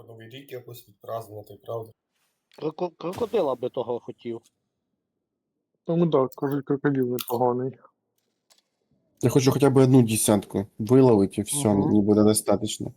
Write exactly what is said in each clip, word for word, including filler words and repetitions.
Треба Новий рік якось відпразнувати, правда? Кроко- Крокодила би того хотів. Тому так, кажуть, крокодил непоганий. Я хочу хотя бы одну десятку выловить, и все, Мгм. мне будет достаточно.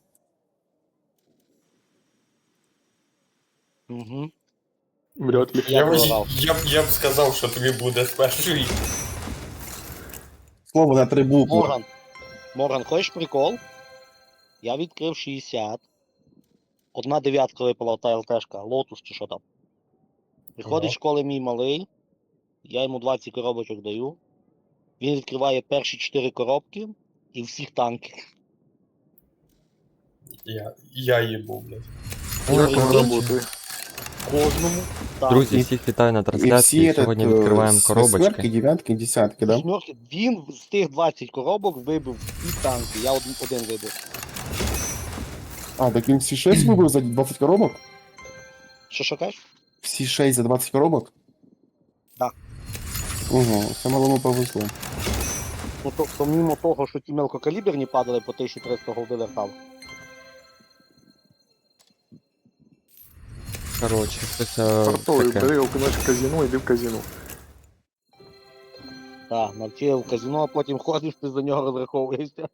Угу. Вряд ли. Я Я, б, програв. я, б, я б сказав, що тобі буде з першої. Слово на три буквы. Морган. Морган, хочеш прикол? Я відкрив шістдесят. Одна дев'ятка випала та ЛТшка, лотус чи що там. Приходить Ага. з школи мій малий, я йому двадцять коробочок даю. Він відкриває перші чотири коробки і всіх танки. Я, я їбу, блядь. Як Прикинь, воно працює? Кожному танку. Друзі, І- всіх вітаю на И все трансляції. этот, Сьогодні э, відкриваємо с коробочки. восьмерки, девятки, десятки, да? Восьмерки. Він з тих двадцять коробок вибив всі танки. Я один, один вибив. А, так він всі шесть вибив за двадцать коробок? Що що кажеш? Всі шесть за двадцать коробок? Да. Угу, це малому повезло. Ну, то, помимо того, що ті мелкокаліберні падали по тисяча триста голди вертав. Коротше, щось е, Фартовий, таке. бери окунеш в казино, йди в казино. Так, навчив в казино, а потім ходиш, ти за нього розраховуєшся.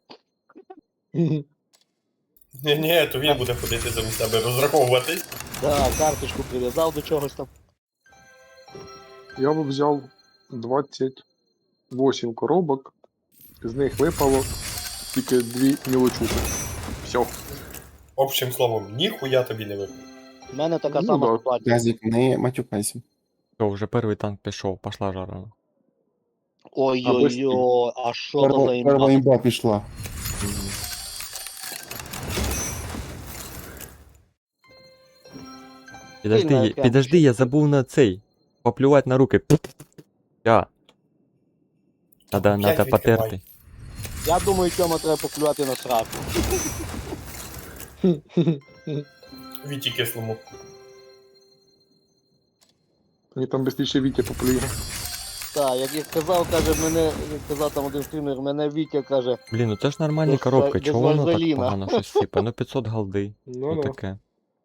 Ні, ні, то він буде ходити замість себе розраховуватись. Так, карточку прив'язав до чогось там. Я б взяв двадцять вісім коробок, з них випало тільки дві мілочухи. Все. Общим словом, ніхуя тобі не випав. У мене така Ну, сама да. ситуація. Газик, не матюкайся. Все, вже перший танк пішов, пошла жара. Ой-ой-ой, а що то за Перва, імба? перва імба пішла. Підожди, Сильно я- прям підожди, я забув на цей. Поплювати на руки. Я. Надо, П'ять надо відкривай. потерти. Я думаю, цьому треба поклювати на сраку. Віті кислому. Мені там швидше Вітя поплює. Так, як я казав, каже, мене, як казав там один стрімер, мене Вітя каже, Блін, ну це ж нормальні Без коробки, ва- чого без воно так вазеліна. погано щось сипе? Ну п'ятсот голди. Ну, Ну да. таке.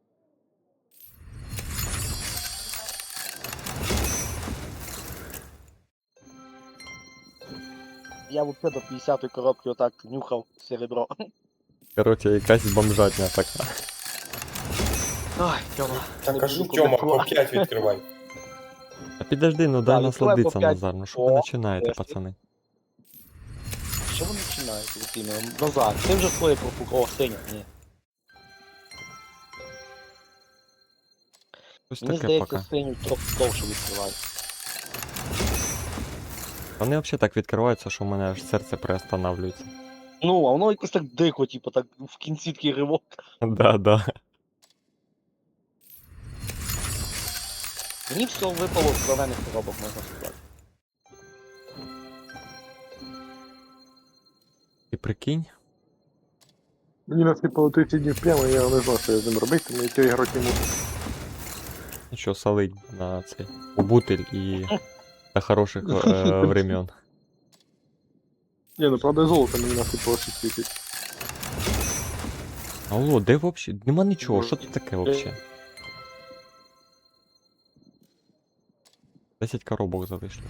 я взагалі до п'ятдесятої коробки отак нюхав серебро. Коротше, якась бомжатня така. Ай, Тьома. Та не кажу, буду Тьома, по коментувати. п'ять відкривай. А підожди, ну дай Так, відкривай по насладитися, п'ять. Назар. Ну що ви О, починаєте, нарешті. пацани? Що ви починаєте, Володимир? Назад, ти вже своє пропукав, о, синя, ні. Щось Мені таке здається, пока. синю трохи довше відкриває. Вони взагалі так відкриваються, що в мене аж серце приостанавлюється. Ну, а воно якось так дико, типу, так в кінці такий ривок. Да, да. Мені все випало з зелених коробок, можна сказати. І прикинь, Мені насипало тридцять днів прямо, я не знаю, що я з ним робити, тому я грати не можу. нічого солить на цей у бутиль і до хороших е, времен. Ні, ну правда золото мені насипало шість тисяч. Алло, де взагалі? Нема нічого, що тут таке взагалі? десять коробок залишили.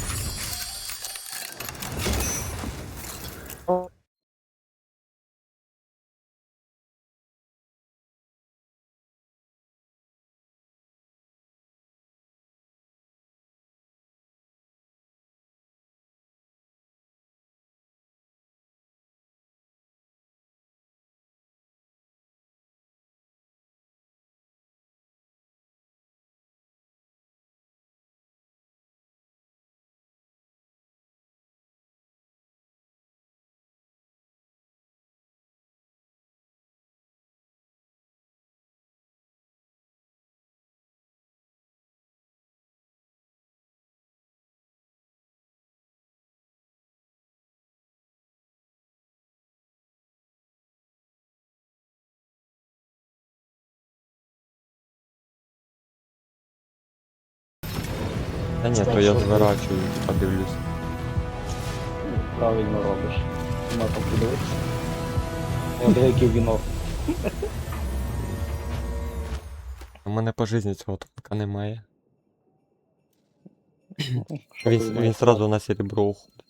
Та ні, то я зворачую, подивлюсь. Правильно робиш. Нема там подивитися. Я деякий вінок. У мене по житті цього танка немає. Що Він, ти він знаєш? сразу на серебро уходить.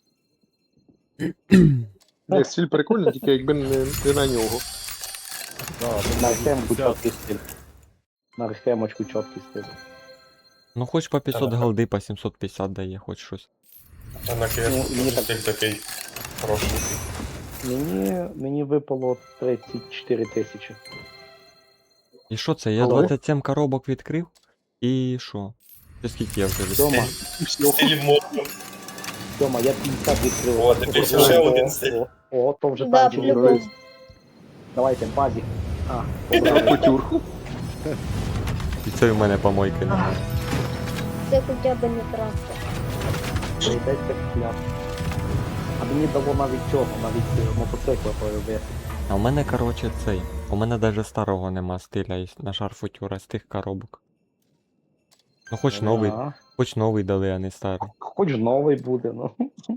Ні, стиль прикольний, тільки якби не, не на нього. На архемку чіткий стиль. На архемочку чіткий стиль. Ну хоч по п'ятсот Та-да. голди, по сімсот п'ятдесят дає, хоч щось. Та на Ну, мені кешку так- стиль такий хороший. Мені, мені випало тридцять чотири тисячі. І що це? Я Алло? двадцять сім коробок відкрив. І що? Це скільки я вже відкрив? Тьома, І все. Стиль модно. Тьома, я п'ятдесят відкрив. О, дивись, О, ще о, один стиль. О, о, то вже Да, танчик. по-любому. Дивись. Давайте, базі. А, За побрали. кутюрку. І це в мене помойки не. А, Це хоча б не трактор. Прийдеться купляти. А мені дало навіть цього, навіть е, мотоцикла поробити. А у мене, короче, цей. У мене навіть старого нема стиля із- на шарфутюра з тих коробок. Ну хоч новий, А, хоч новий дали, а не старий. хоч новий буде, ну.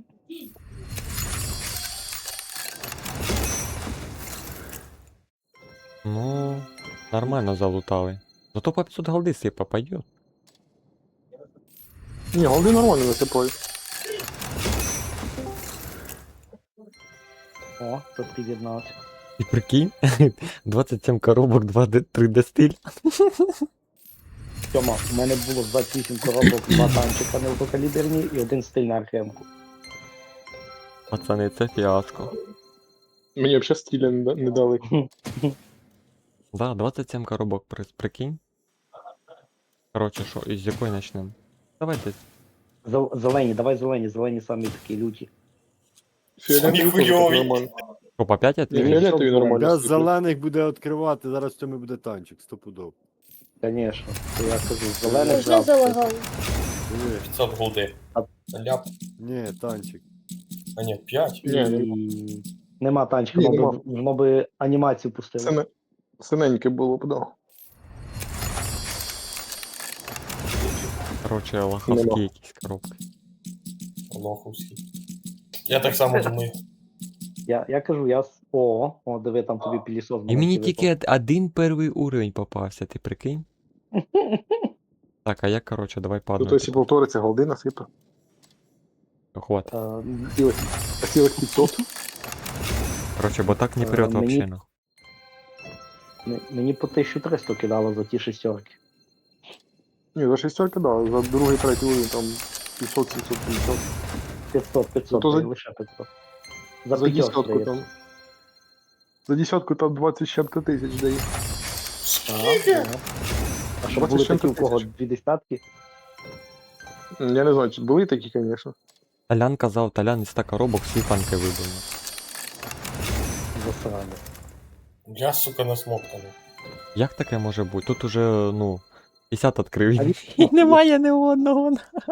Ну, нормально залутали. Зато по п'ятсот голди сипа пойдет. Ні, голди нормально насипають. О, тут під'єднався. І прикинь, двадцять сім коробок, два три дэ стиль. Тьома, у мене було двадцять вісім коробок, два танчика мелкокаліберні і один стиль на архемку. Пацани, це фіаско. Мені взагалі стиля не, да- не дали. Да, двадцять сім коробок, при- прикинь. Короче, що, із якої почнемо? Давайте. Зел- Зелені, давай зелені, зелені самі такі люті. Фіолетовий теж так хуйовий. нормально. Що, по п'ять Ні, відкрили? Фіолет- фіолетовий нормально. Я сиплять. зелених буде відкривати, зараз в цьому буде танчик, стопудов. Звісно, то я кажу, зелених Вже завтра. залагало. Ні, п'ятсот голди. А- Ляп. ні, танчик. А ні, п'ять. Ні, нема. І... Нема танчика, Ні, воно нема. би, воно би анімацію пустило. Сине... Синеньке було б, да. Короче, лоховські Нема. якісь коробки. Лоховський. Я так само думаю. Я, я кажу, я... с- О, о, диви, там тобі пілісос. І мені маленький тільки од- один перший уровень попався, ти прикинь? Так, а я, короче, давай по Тут одной. ось і повториться, голди насипе. Хват. випав. Е, А цілих, а цілих п'ятсот. Короче, бо так не Е, прет мені- вообще, ну. м- Мені по тисячу триста кидало за ті шестерки. Ні, за шістерки, да, за другий, третій уровень там п'ятсот сімсот п'ятдесят. п'ятсот, п'ятсот, то за- та й лише п'ятсот. За, За п'ятьох десятку здається. там. За десятку там двадцять з чим-то тисяч дає. Ага, ага. А щоб двадцять були з чим-то такі у кого тисяч. дві десятки? Я не знаю, чи були такі, звісно. Талян казав, Талян із ста коробок всі танки вибив. Засрали. Я, сука, насмоктаний. Як таке може бути? Тут уже, ну, п'ятдесят відкрив. А І від- немає ні одного.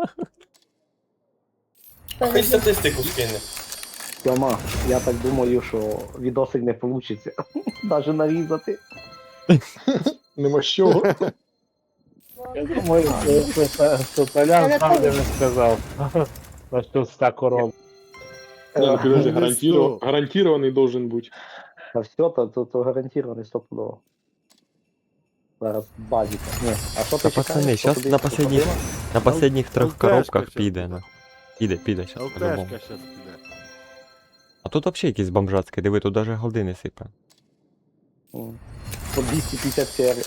А хай статистику скине. Тьома, я так думаю, що відосик не вийде. Навіть нарізати. Нема з чого. Я думаю, що, що, що Толян Але сам коли? не сказав. На що ста коров. Ні, ну підожди, Не гарантіро- сто. гарантірований должен бути. Та все, то, то, то гарантовано стопудово. Зараз базіка. Ні, а що ти Та чекаєш? пацани, Що щас тобі на последніх, походило? на последніх трьох ЛТшка коробках щас піде, буде. ну. Піде, піде щас по-любому. ЛТшка щас піде. А тут вообще якісь бомжацькі, диви, тут даже голди не сипе. М. По двісті п'ятдесят серій.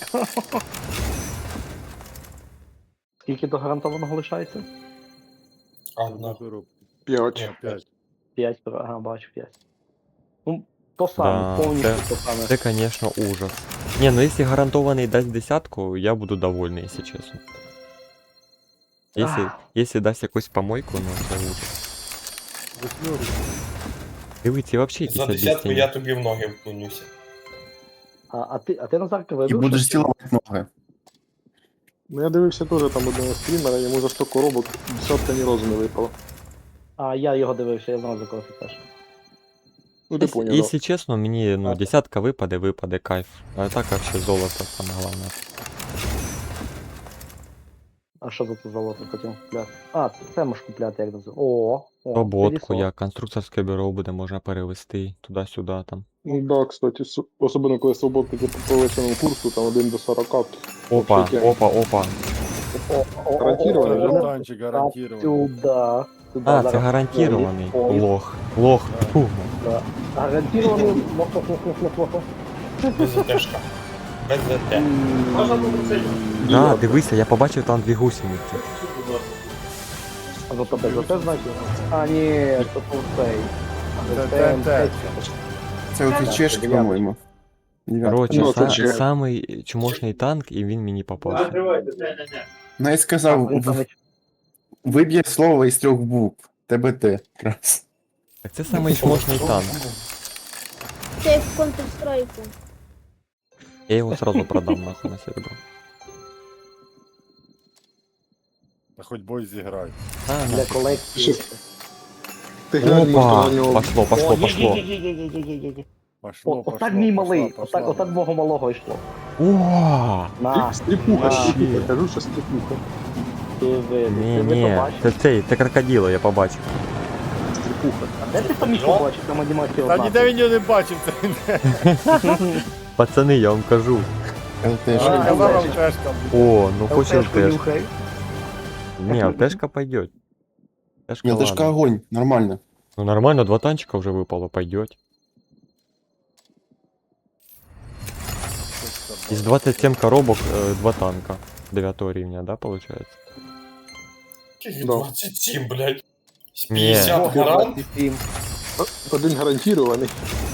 Скільки до гарантованого лишається? Одна. коробку. П'ять. Ні, П'ять. п'ять, ага, бачу п'ять. Ну, то саме, Да, повністю це- то саме. Це, конечно, ужас. Не, ну если гарантованный даст десятку, я буду довольный, если честно. Если, Ах. если дасть якусь помойку, ну це ужас. Восьмерочка. Дивіться, вообще якісь За десятку об'яснення. я тобі в ноги вклонюся. А, а ти, а ти Назарка І вибив? будеш щось? цілувати ноги. Ну я дивився теж там одного стрімера, йому за сто коробок десятка ні разу не випало. А я його дивився, я знав за кого ти теж. Ну ти Если, поняв. если честно, мені ну, Ага. десятка випаде, випаде кайф. А так вообще золото саме головне. А що за це золото хотів купляти? А, це можеш купляти, як називається. О, о, Роботку, пилісос. як конструкторське бюро буде, можна перевести туди-сюди там. Ну да, кстати, с- особливо коли свободки по повищеному курсу, там один до сорока. Опа, Вообще опа, опа. Гарантировано, Це да? танчик гарантований. Сюда. Сюда А, це зараз гарантірований. поїзд, Лох. Лох. Да. Фу. да. Гарантирований. Лох-лох-лох-лох-лох. Без ЗТшка. Без ЗТ. Да, Діло. дивися, я побачив там дві гусениці. А за тебе за те значить? А, ні, це тут цей. Це Це те, Це оці Так, чешки, дев'ятка. по-моєму. Дев'ятка. Коротше, Ну, це са- ще- самий чмошний танк, і він мені попався. Ну, я сказав, в- виб'є слово із трьох букв. ТБТ. Якраз. Так це самий чмошний танк. Це як в Counter-Strike. Я його сразу продам нахуй на серебро. Та хоч бой зіграй. А, Для нахуй. колекції. Ще- Ти глянь, може, Опа! на нього. Пошло, пошло, О, пошло. є-є-є-є-є-є-є. Пошло, О, пошло, отак мій пошло, малий, пошло. отак, отак мого малого йшло. О! На, Стріпуха, на, стріпуха, кажу, що стріпуха. ти ви, Ні, ти ви ні, побачив. це цей, це крокодило, я побачив. Стріпуха. А де ти там їх побачив, там анімація Та одна. ніде він його не бачив, це не. Пацани, я вам кажу. ЛТшки. А, Казав вам бачиш. теж там. О, ну хоч ЛТшку ЛТшка. нюхай. Не, ЛТшка пойдет. ЛТшка, ЛТшка ладно. огонь, нормально. Ну нормально, два танчика уже выпало, пойдет. Из двадцати семи коробок э, два танка. дев'ятого рівня, да, получается? Яких Да. двадцять сім, блядь. З Ні. п'ятдесят гарант. Один гарантірований.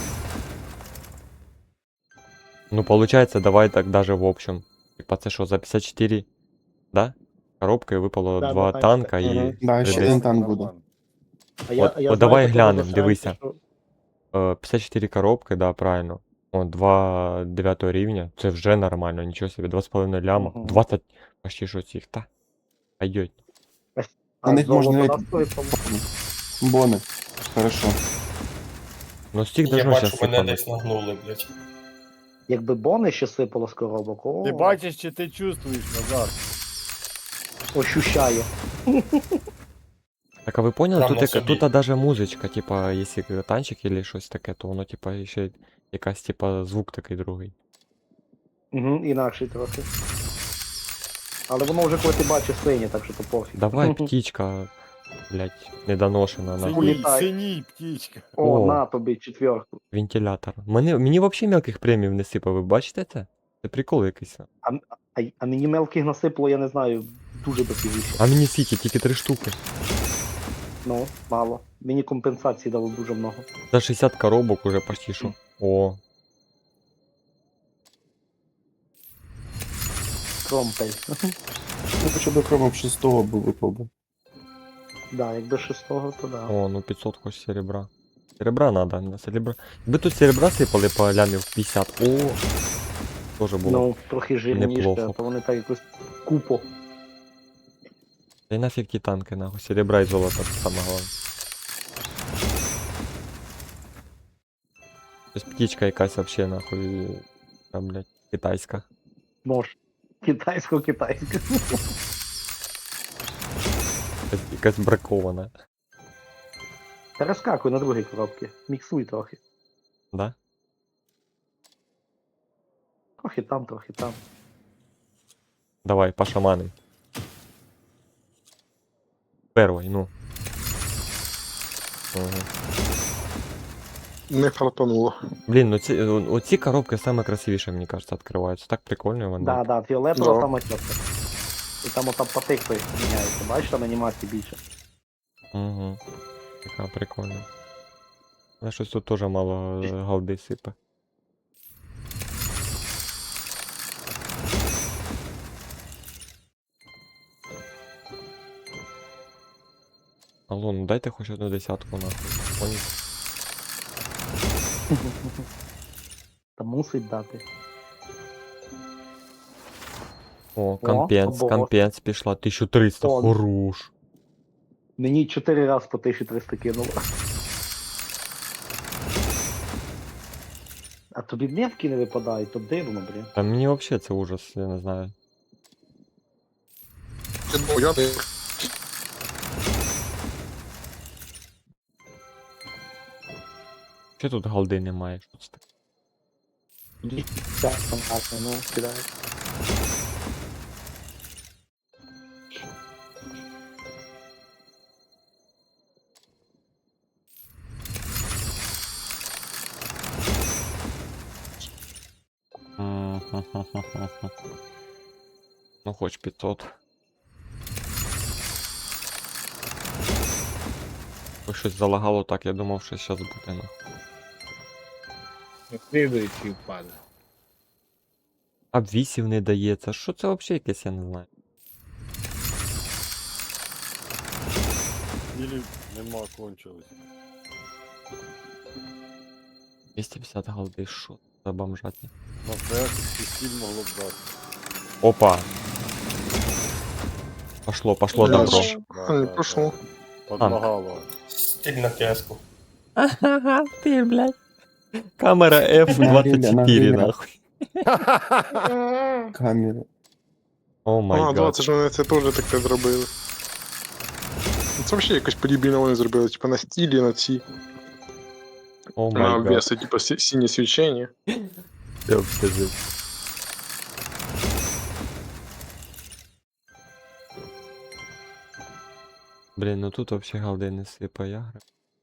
Ну получается, давай так даже в общем. Типа це що, за п'ятдесят чотири, да? Коробкой выпало Да, два два танка танчика. і Мгм. Да, ще Десь. один танк буде. А я- От- а я от знаю давай такого глянем, засранця, дивися. що- э, п'ятдесят чотири коробки, да, правильно. О, два дев'ятого рівня. Це вже нормально, нічого собі, два з половиною ляма. Мгм. двадцять почти що цих, та. Пойдет. А На них золото можна на навіть- стоїть, по-моєму. Бони. Хорошо. Ну з цих Я должно бачу, сейчас мене сипануть. десь нагнули, блядь. Якби бони ще сипало з коробок, о, Ти бачиш чи ти чувствуєш, Назар? ощущаю. Так а ви поняли, Прямо тут, яка, собі. тут даже музичка, типа, якщо танчик или щось таке, то воно типа ще якась типа звук такий другий. Угу, інакший трохи. Але воно вже коли ти бачиш синє, так що то пофіг. Давай, птічка, блять, недоношена на Синій, Улітай. синій птічка. О, О. на тобі четверту. вентилятор. Мені, мені взагалі мелких премів не сипав, ви бачите це? Це прикол якийсь. А, а мені мелких насипало, я не знаю, дуже дофігіше. А мені скільки, тільки три штуки. Ну, мало. Мені компенсації дало дуже много. За шістдесят коробок уже почти що. О, Кромпель. Ну, хоча б кромом шестого би випав би. Да, якби шестого, то да. о, ну п'ятсот хоч серебра. Серебра надо, на серебра. Якби тут серебра сипали по лямів п'ятдесят. О, тоже було. Ну, трохи жирніше, неплохо. а то вони так якось купо. Та й нафіг ті танки, нахуй. Серебра і золота, це саме головне. Ось птічка якась вообще, нахуй. Там, блядь, китайська. Нож. Китайсько-китайсько. Якась, якась бракована. Перескакуй на другій коробці. Міксуй трохи. Да? Трохи там, трохи там. Давай, пошаманим. Первый, ну. Ага. Не фартануло. Блін, ну ці, о- оці коробки саме красивіше, мені кажется, відкриваються. Так прикольно вони. Да, да, фіолетова Да. сама чітка. І там ота потикли міняється. Бачиш, там анімації більше. Угу. Така прикольна. Але щось тут теж мало е, галди сипе. Алло, ну дайте хоч одну десятку нахуй. Понял? Та мусить дати. О, компенс, або- компенс пішла. тисяча триста, О. хорош. Мені чотири рази по тисячі триста кинуло. А тобі дневки не випадають, то дивно, блін. Та мені вообще це ужас, я не знаю. Я не... Чи тут голди немає? Що це таке? Так, стандартно, ну, кидаю. М-ха-ха-ха-ха. Ну хоч п'ятсот. Ось щось залагало так, я думав, що зараз буде ну. Слідуючий впаде. Обвісів не дається. Що це взагалі якесь, я не знаю. Ілі нема, кончилось. двісті п'ятдесят голди, що за бомжатня. На ПС стіль могло б дати. Опа! Пошло, пошло Да, добро. ж. А, не пошло. Подлагало. Стиль на кеску. Ага, ти, блядь. Камера еф двадцять чотири, нахуй. А, Камера. О май А, гад. двадцять ж вони це теж таке зробили. Це взагалі якось подібно вони зробили, типа на стілі, на ці, О на май гад. обвеси, типа сі- синє свічення. Я все жив. Блін, ну тут вообще голди не сипає гра.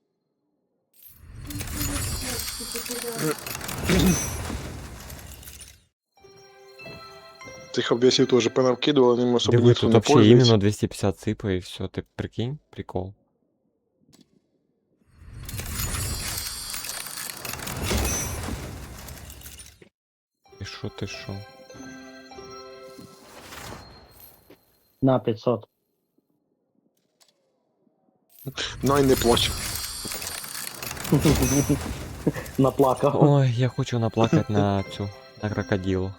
Цих обвесів теж понавкидували, ним особо Диви, ніхто тут не вообще пользується. іменно двісті п'ятдесят сипає і все, ти прикинь, прикол. Ти шо, ти шо? На п'ятсот. Ну і не плач. Наплакав. Ой, я хочу наплакати на цю, на крокодилу.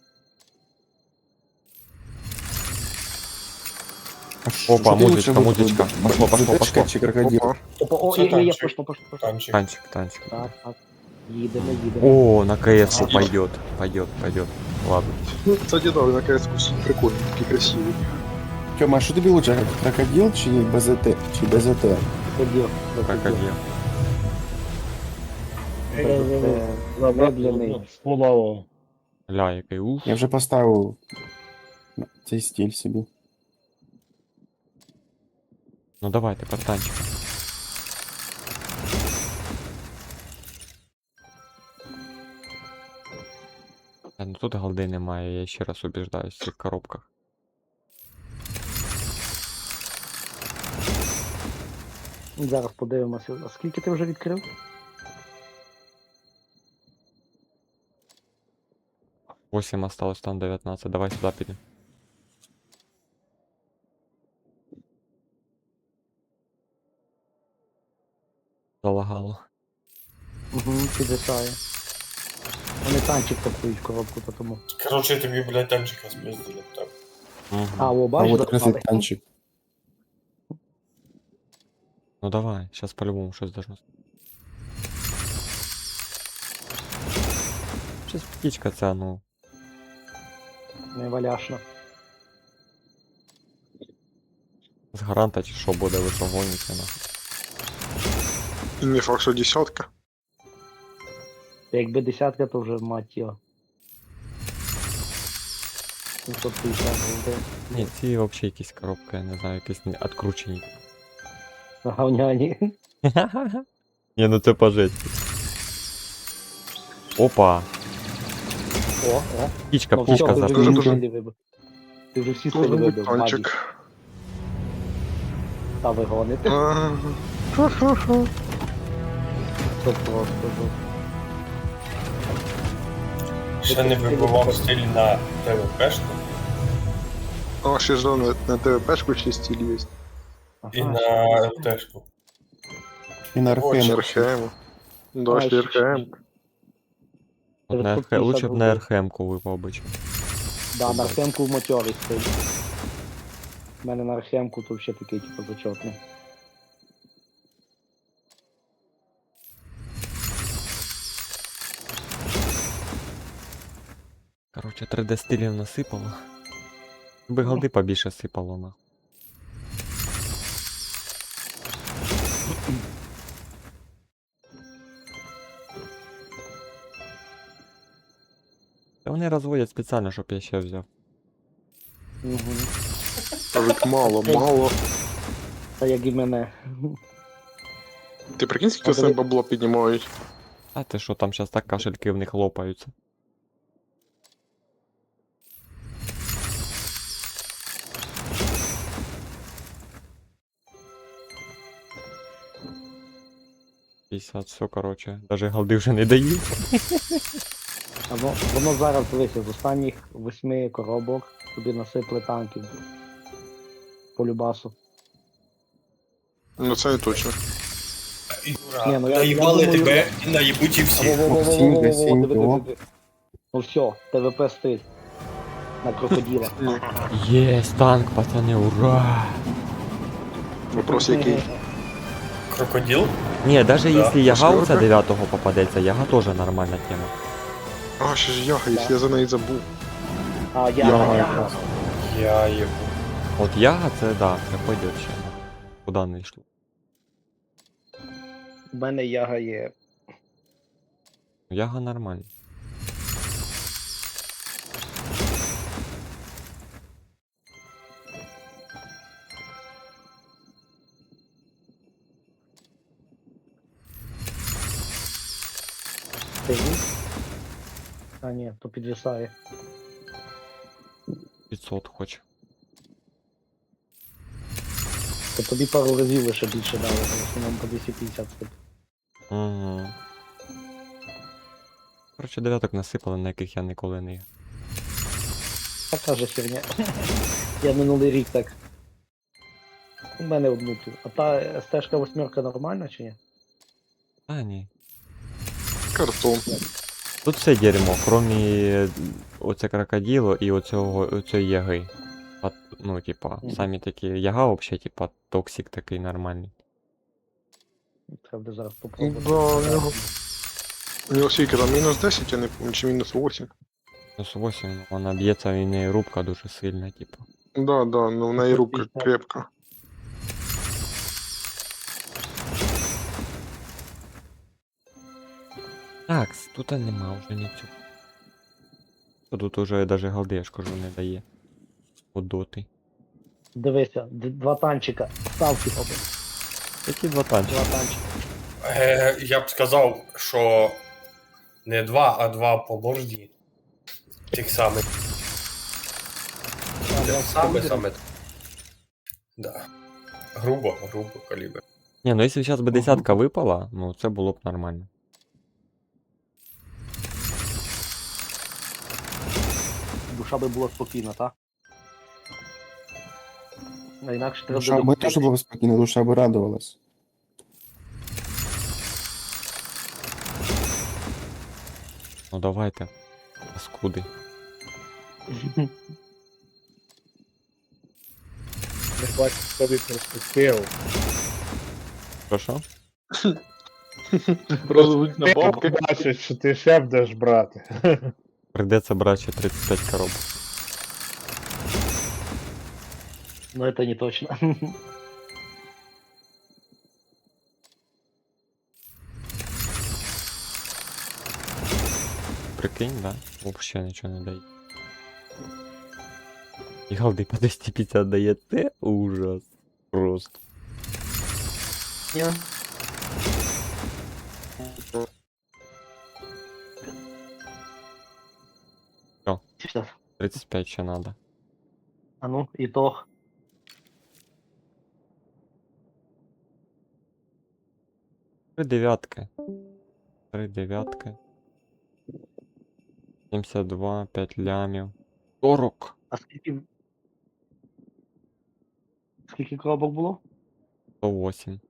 Опа, музичка, музичка. Пошло, пошло, Зетечка пошло. чи крокодил? Опа. Опа, о, Це є, є, є, танчик. пошло, пошло, пошло. Танчик. Танчик, танчик. Так, так. Їдемо, їдемо. О, на КС пойдет, пойдет, пойдет. Ладно. Ну, кстати, да, на КС прикольний, такий красивий. Тьома, а що тобі лучше, крокодил чи БЗТ? Чи БЗТ? Ходів, Крокодил. Виблений. Сподобало. Ля, який ух. Я вже поставив цей стиль собі. Ну давай, тепер танчик. Та, ну тут голди немає, я ще раз убіждаюсь в цих коробках. Зараз подивимося. А скільки ти вже відкрив? восемь осталось, там дев'ятнадцять. Давай сюди підемо. Залагало. Угу, підвисає. Вони танчик пакують в коробку, то тому. Короче, я тобі, блядь, танчика спиздили. Так. Угу. А, о, А бачиш, от якраз і запали? танчик. Ну давай, сейчас по-любому щось должно. Щось птічка ця, ну. Не валяшно. З гаранта чи що буде, ви що гоніте, ну. І не факт, що десятка. Якби десятка, то вже мать його. сімсот п'ятдесят голди. Ні, ці вообще якісь коробки, я не знаю, якісь не откручені. Говняні. Ні, ну це пожить. Опа! О, о. Птічка, Ну, все, птічка ти за. вже Дуже, всі дуже. стилі вибив. Ти вже всі Може стилі бути вибив, Маді. танчик. Та ви гоните. А, ха-ха-ха. Це просто жовт. Ще не вибивав стиль на ТВПшку А, ще ж на, на ТВПшку ще стиль є. і Ага. на ЛТшку. І на Очень. РХМ. РХМ. Да, А, ще ще- РХМ. От на РХ... Лучше б на РХМ-ку випав би. чим. Да, на архемку в мотьорі стоїть. У мене на архемку тут ще такий, типу, зачетний. Короче, три дэ стилів насипало. Би голди побільше сипало, на. Та вони розводять спеціально, щоб я ще взяв. Угу. Кажуть, мало, мало. Та як і мене. Ти прикинь, скільки з тебе бабло піднімають? А ти що, там зараз так кашельки в них лопаються. п'ятдесят, все, короче. Даже голди вже не дають. Воно, воно зараз дивися, з останніх восьми коробок тобі насипли танків. По любасу. Ну це не точно. Юра, Ні, ну я- наїбали я думаю- тебе і наїбуть і всі. Во-во-во-во-во-во-во, Максимка, диви, диви, Сінько. диви. Ну все, ТВП стиль. На крокодила. Єсть, танк, пацани, ура! Вопрос який? Крокодил? Не, даже Да, если яга у восьмерка. тебя девятого попадется, яга тоже нормальна тема. А, ще ж яга, якщо я за неї забув. А я, Я- я, Я їбу. От яга це да, це пойдет ще. Куда не йшло. У мене яга є. Яга нормальна. Стоїть. А ні, то підвисає. п'ятсот хоч. То тобі пару разів лише більше дали, в основному по двісті п'ятдесят стип. Угу. Короче, дев'яток насипали, на яких я ніколи не. Така же херня. Я минулий рік так. У мене одну ту. А та стежка восьмерка нормальна чи ні? А, ні. Картон. Тут все дерьмо, кроме оце крокодило і оцього, оцього яги. А, ну, типа, Мгм. самі такі, яга вообще, типа, токсик такий нормальний. Треба буде зараз Да, попробувати. у нього. У нього скільки там мінус десять, я не пам'ятаю, чи мінус вісім. Плюс вісім, вона б'ється, і в неї рубка дуже сильна, типа. Да, да, ну в неї рубка п'ятдесят. крепка. Так, тут нема вже нічого. Тут уже даже голди, я ж кажу, не дає. От доти. Дивися, д- два танчика. Ставки робимо. Які два танчики? Два танчика. Е, я б сказав, що не два, а два по борді. Тих самих. А, Те два саме, калібри. саме. Да. Грубо, грубо калібр. Ні, ну якщо зараз би десятка випала, ну це було б нормально. Душа би була спокійна, так? А інакше треба Душа би докупити. теж була спокійна, душа би радувалась. Ну давайте. Паскуди. Не бачу собі перспективу. Що що? Розвуть на бабки бачать, що ти ще будеш брати. Прийдеться брати ще тридцять п'ять коробок. Ну это не точно. Прикинь, да? Вообще нічого не дає. І голди по двісті п'ятдесят дає, це ужас. Просто. Ні. Що? Все. тридцять п'ять ще надо. А ну, итог. Три дев'ятки. Три дев'ятки. сімдесят два, п'ять лямів. сорок. А скільки... Скільки коробок було? сто вісім.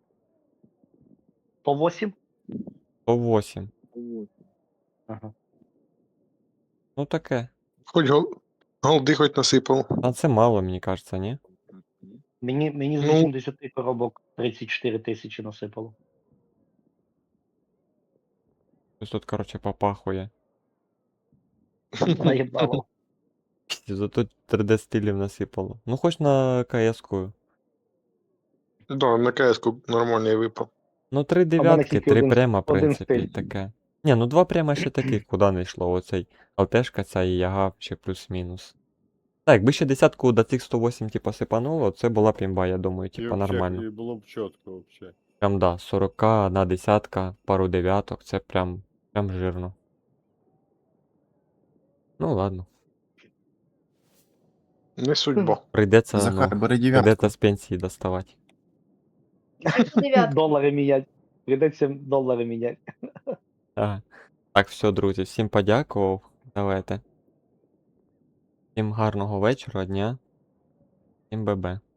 По восемь? сто вісім. Ага. Ну таке. Хоч гол... голди хоч насипав. А це мало, мені кажеться, ні? Мені, мені з Ну. вісімдесят коробок тридцять чотири тисячі насипало. Ось тут, короче, попахує. Наєбало. Зато три дэ стилів насипало. Ну хоч на КС-ку. Да, на КС-ку нормальний випав. Ну три мене дев'ятки, тільки три один- прямо, в один принципі, стиль. таке. Ні, ну два прямо ще таких, куди не йшло. Оцей ЛТшка ця і яга ще плюс-мінус. Так, якби ще десятку до цих сто вісім, типу, сипануло, це була б імба, я думаю, І типу, вообще- нормально. І було б чітко вообще. Прям да, сорок, одна десятка, пару дев'яток, це прям, прям жирно. Ну ладно. Не судьба. Прийдеться, Захар, ну, бери дев'ятку. прийдеться з пенсії доставати. Дев'ятку. Долари міняти. Прийдеться долари міняти. Ага. Так, все, друзі, всім подякував. Давайте. Всім гарного вечора, дня. Всім бе-бе.